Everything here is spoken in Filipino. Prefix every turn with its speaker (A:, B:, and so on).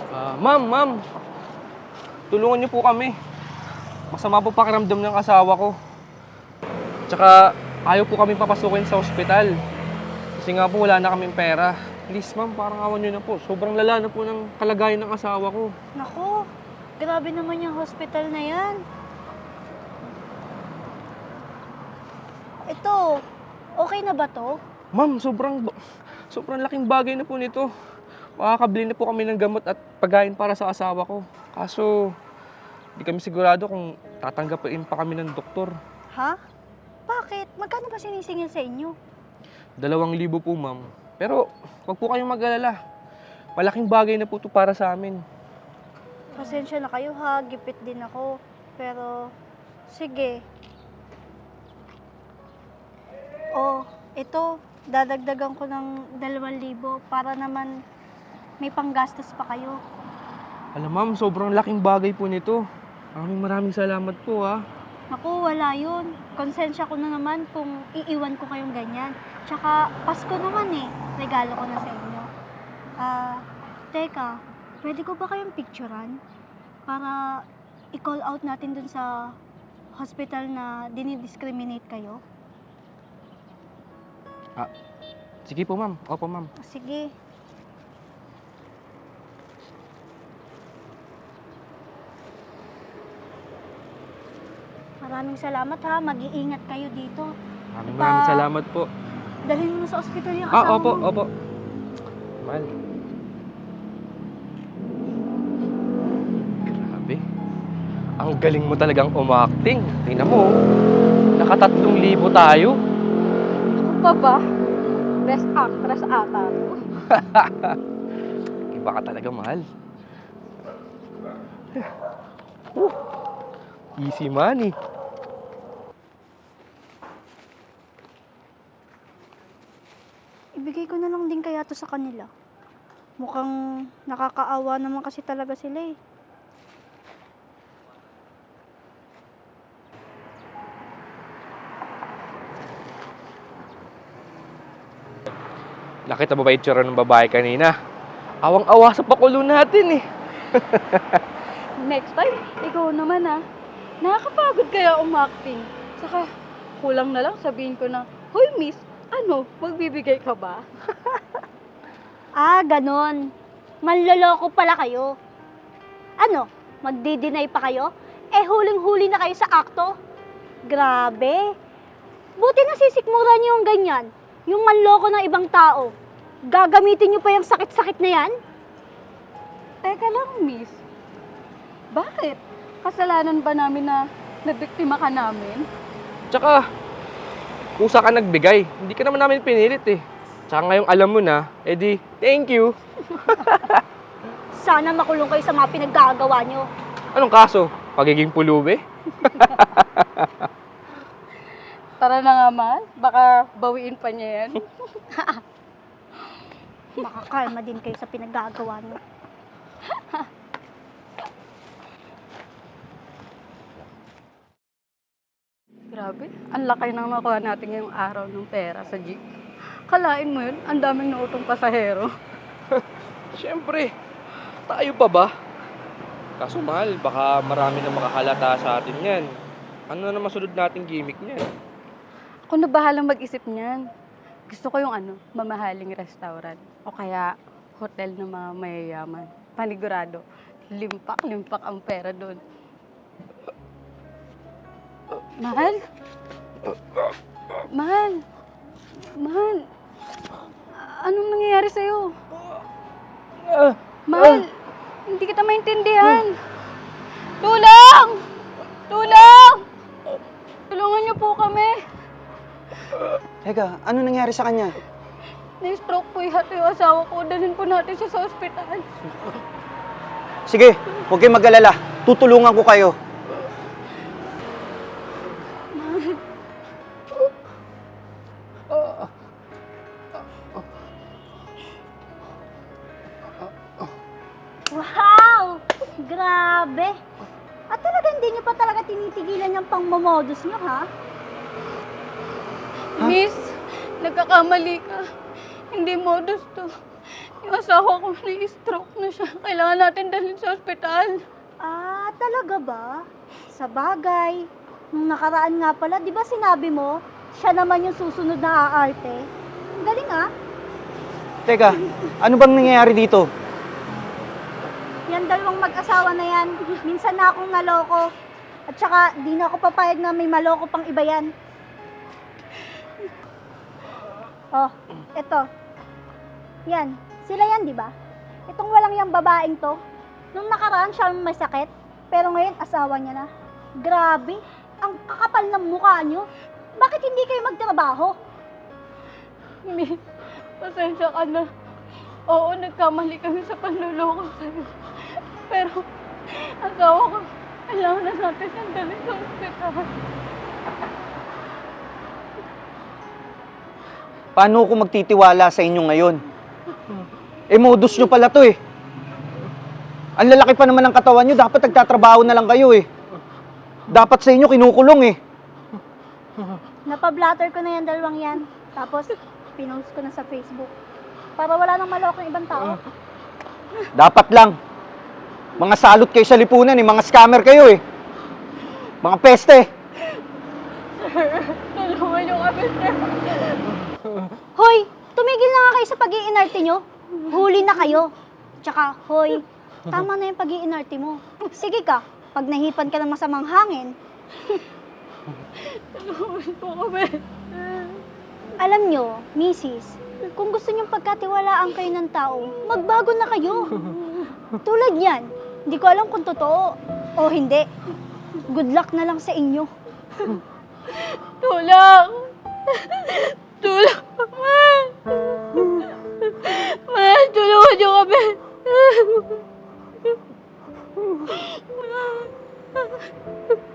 A: Ma'am, tulungan niyo po kami. Masama po pakiramdam ng asawa ko. Tsaka ayaw po kami papasukin sa ospital. Kasi nga po wala na kaming pera. Please ma'am, parang awan niyo na po. Sobrang lala na po ng kalagayan ng asawa ko.
B: Naku, grabe naman yung hospital na yan. Ito, okay na ba to?
A: Ma'am, sobrang laking bagay na po nito. Makakabili na po kami ng gamot at pagkain para sa asawa ko. Kaso, di kami sigurado kung tatanggapin pa kami ng doktor.
B: Ha? Bakit? Magkano ba sinisingil sa inyo?
A: 2,000 po, ma'am. Pero, wag po kayong mag-alala. Malaking bagay na po ito para sa amin.
B: Pasensya na kayo ha, gipit din ako. Pero, sige. Oh, ito, dadagdagan ko ng 2,000 para naman may panggastos pa kayo.
A: Alam ma'am, sobrang laking bagay po nito. Maraming salamat po ha.
B: Naku, wala yun. Konsensya ko na naman kung iiwan ko kayong ganyan. Tsaka, Pasko naman eh. Regalo ko na sa inyo. Teka, pwede ko ba kayong picturean? Para i-call out natin dun sa hospital na dinidiscriminate kayo?
A: Sige po ma'am. Opo ma'am.
B: Sige. Maraming salamat ha. Mag-iingat kayo dito.
A: Maraming salamat po.
B: Dalhin mo na sa ospital yung asawa
A: Opo,
B: mo.
A: opo. Mahal. Grabe. Ang galing mo talagang umacting. Tingnan mo, naka-3,000 tayo.
B: Ako pa ba? Best actress ata to.
A: Iba ka talaga, mahal. Easy money.
B: Ibigay ko na lang din kaya to sa kanila. Mukhang nakakaawa naman kasi talaga sila eh.
A: Nakita mo ba yung tsura ng babae kanina? Awang-awa sa pakulo natin eh.
C: Next time, ikaw naman ah. Nakakapagod kaya umacting. Saka, kulang na lang sabihin ko na, Hoy miss, ano, magbibigay ka ba?
B: Ah, ganon. Manloloko pala kayo. Ano, magdi-deny pa kayo? Eh, huling-huli na kayo sa akto. Grabe. Buti na sisikmura niyo yung ganyan. Yung manloko ng ibang tao. Gagamitin niyo pa yung sakit-sakit na yan?
C: Teka lang miss. Bakit? Kasalanan ba namin na nabiktima ka namin?
A: Tsaka, kusa ka nagbigay. Hindi ka naman namin pinilit eh. Tsaka ngayong alam mo na, edi, thank you.
B: Sana makulong kayo sa mga pinaggagawa niyo.
A: Anong kaso? Pagiging pulubi?
C: Tara na nga mahal, baka bawiin pa niya yan.
B: Makakalma din kayo sa pinaggagawa niyo.
C: Grabe, ang laki nang nakuha natin ngayong araw ng pera sa jeep. Kalain mo yun, ang daming nautong pasahero.
A: Siyempre, tayo pa ba? Kaso mahal, baka marami na makahalata sa atin yan. Ano na masunod nating gimmick niyan?
C: Ako na bahalang mag-isip niyan. Gusto ko yung mamahaling restaurant. O kaya hotel ng mga mayayaman. Panigurado, limpak-limpak ang pera doon. Mahal? Mahal? Mahal? Anong nangyayari sa'yo? Mahal? Hindi kita maintindihan. Tulong! Tulong! Tulungan niyo po kami.
D: Teka, ano nangyari sa kanya?
C: Na-stroke po yung asawa ko. Dalhin po natin siya sa ospital.
D: Sige, huwag kayong mag-alala. Tutulungan ko kayo.
B: Wow! Grabe! At talaga hindi niyo pa talaga tinitigilan yung pangmamodus niyo, ha?
C: Miss, nagkakamali ka. Hindi modus to. Yung asawa ko na-stroke na siya. Kailangan natin dalhin sa ospital.
B: Ah, talaga ba? Sa bagay. Nung nakaraan nga pala, di ba sinabi mo, siya naman yung susunod na aarte? Ang galing ah.
D: Teka, ano bang nangyayari dito?
B: Yan dalawang mag-asawa na yan. Minsan na akong naloko. At saka, di na ako papayag na may maloko pang iba yan. Oh, eto. Yan. Sila yan, di ba? Itong walang yung babaeng to. Nung nakaraan siya may sakit, pero ngayon asawa niya na. Grabe, ang kakapal ng mukha niyo. Bakit hindi kayo magtrabaho?
C: Mi, pasensya ka na. Oo, nagkamali kami sa panluloko sa'yo. Pero, asawa ko, kailangan na natin siyang dalhin sa ospital.
D: Paano ako magtitiwala sa inyo ngayon? Modus nyo pala to eh. Ang lalaki pa naman ng katawan nyo, dapat nagtatrabaho na lang kayo eh. Dapat sa inyo kinukulong eh.
B: Napablatter ko na yan dalawang yan. Tapos, pinost ko na sa Facebook. Para wala nang maloko ng ibang tao.
D: Dapat lang. Mga salot kayo sa lipunan eh, mga scammer kayo eh. Mga peste.
C: Tulungan niyo kami, sir.
B: Hoy, tumigil na nga kayo sa pag-iinarte nyo. Huli na kayo. Tsaka, hoy, tama na yung pag-iinarte mo. Sige ka, pag nahipan ka ng masamang hangin,
C: Tulungan po kami.
B: alam nyo, misis, kung gusto nyong pagkatiwalaan kayo ng tao, magbago na kayo. Tulad yan, hindi ko alam kung totoo o hindi. Good luck na lang sa inyo.
C: Tulong! Tulong! Ma, tulungan niyo kami!